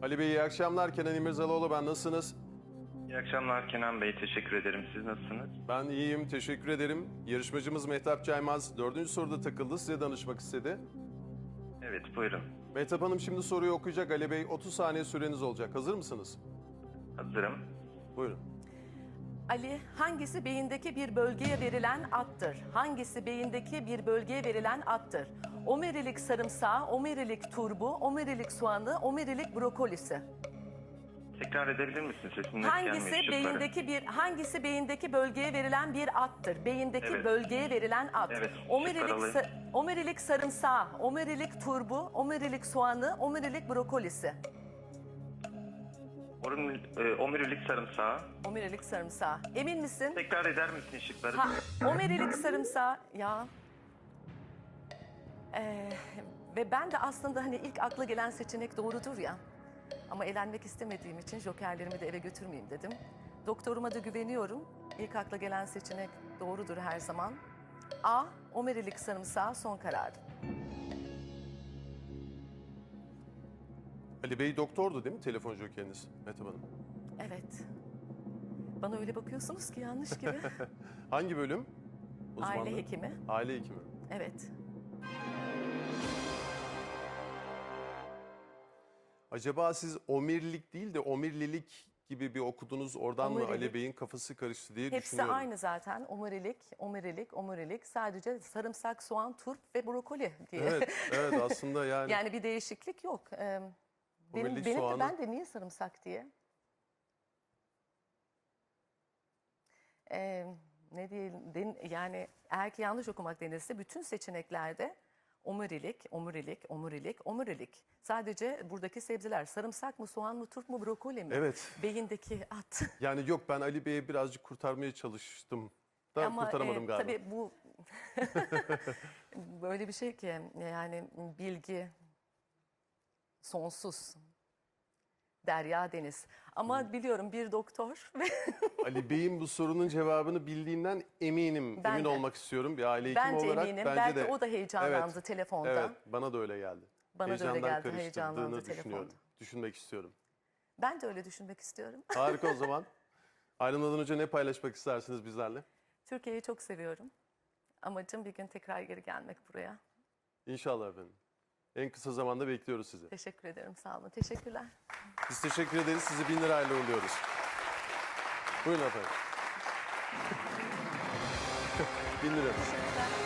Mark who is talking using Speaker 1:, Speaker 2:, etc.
Speaker 1: Ali Bey iyi akşamlar. Kenan İmirzalıoğlu ben. Nasılsınız?
Speaker 2: İyi akşamlar Kenan Bey. Teşekkür ederim. Siz nasılsınız?
Speaker 1: Ben iyiyim. Teşekkür ederim. Yarışmacımız Mehtap Caymaz 4. soruda takıldı. Size danışmak istedi.
Speaker 2: Evet, buyurun.
Speaker 1: Mehtap Hanım şimdi soruyu okuyacak. Ali Bey 30 saniye süreniz olacak. Hazır mısınız?
Speaker 2: Hazırım.
Speaker 1: Buyurun.
Speaker 3: Ali, hangisi beyindeki bir bölgeye verilen addır? Hangisi beyindeki bir bölgeye verilen addır? Omurilik sarımsağı, omurilik turbu, omurilik soğanı, omurilik brokolisi.
Speaker 2: Tekrar edebilir misin? Sesin net gelmiyor.
Speaker 3: Hangisi beyindeki bölgeye verilen bir addır? Beyindeki
Speaker 2: Evet.
Speaker 3: bölgeye verilen ad.
Speaker 2: Evet,
Speaker 3: Omurilik,
Speaker 2: şıklar alayım.
Speaker 3: omurilik sarımsağı, omurilik turbu, omurilik soğanı, omurilik brokolisi.
Speaker 2: Omurilik sarımsağı.
Speaker 3: Omurilik sarımsağı. Emin misin?
Speaker 2: Tekrar eder misin şıkları?
Speaker 3: Omurilik sarımsağı ya. Ve ben de aslında hani ilk akla gelen seçenek doğrudur ya. Ama elenmek istemediğim için jokerlerimi de eve götürmeyeyim dedim. Doktoruma da güveniyorum. İlk akla gelen seçenek doğrudur her zaman. A. Omurilik sarımsağı son karar.
Speaker 1: Ali Bey doktordu değil mi telefon jokeriniz Mehtap Hanım?
Speaker 3: Evet. Bana öyle bakıyorsunuz ki yanlış gibi.
Speaker 1: Hangi bölüm? Uzmanlığı?
Speaker 3: Aile hekimi.
Speaker 1: Aile hekimi.
Speaker 3: Evet.
Speaker 1: Acaba siz omirlik değil de omirlilik gibi bir okudunuz oradan mı
Speaker 3: Omurilik.
Speaker 1: Ali Bey'in kafası karıştı diye
Speaker 3: Hepsi
Speaker 1: düşünüyorum.
Speaker 3: aynı zaten. Omurilik, omurilik, omurilik. Sadece sarımsak, soğan, turp ve brokoli diye.
Speaker 1: Evet aslında yani.
Speaker 3: Yani bir değişiklik yok.
Speaker 1: Omurilik
Speaker 3: Benim
Speaker 1: soğanı-
Speaker 3: ben de niye sarımsak diye? Ne diyelim, yani eğer ki yanlış okumak denirse bütün seçeneklerde omurilik, omurilik, omurilik, omurilik. Sadece buradaki sebzeler sarımsak mı, soğan mı, turp mu, brokoli mi?
Speaker 1: Evet.
Speaker 3: Beyindeki at.
Speaker 1: Yani yok ben Ali Bey'e birazcık kurtarmaya çalıştım da
Speaker 3: Ama
Speaker 1: kurtaramadım galiba.
Speaker 3: tabii bu böyle bir şey ki yani bilgi sonsuz. Derya deniz. Ama biliyorum bir doktor ve
Speaker 1: Ali Bey'in bu sorunun cevabını bildiğinden eminim.
Speaker 3: Ben
Speaker 1: Emin
Speaker 3: de.
Speaker 1: olmak istiyorum bir aile hekimi
Speaker 3: Bence
Speaker 1: olarak.
Speaker 3: eminim.
Speaker 1: Bence
Speaker 3: Belki
Speaker 1: de.
Speaker 3: o da heyecanlandı telefonda.
Speaker 1: Evet bana da öyle geldi.
Speaker 3: Bana da öyle
Speaker 1: Heyecandan
Speaker 3: geldi,
Speaker 1: karıştırdığını
Speaker 3: heyecanlandı
Speaker 1: düşünüyorum.
Speaker 3: telefonda.
Speaker 1: Düşünmek istiyorum.
Speaker 3: Ben de öyle düşünmek istiyorum.
Speaker 1: Harika o zaman. Ayrılmadan önce ne paylaşmak istersiniz bizlerle?
Speaker 3: Türkiye'yi çok seviyorum. Amacım bir gün tekrar geri gelmek buraya.
Speaker 1: İnşallah efendim. En kısa zamanda bekliyoruz sizi.
Speaker 3: Teşekkür ederim. Sağ olun. Teşekkürler.
Speaker 1: Biz teşekkür ederiz. Sizi 1000 lirayla uğurluyoruz. Buyurun efendim. 1000 lira.
Speaker 3: Teşekkürler.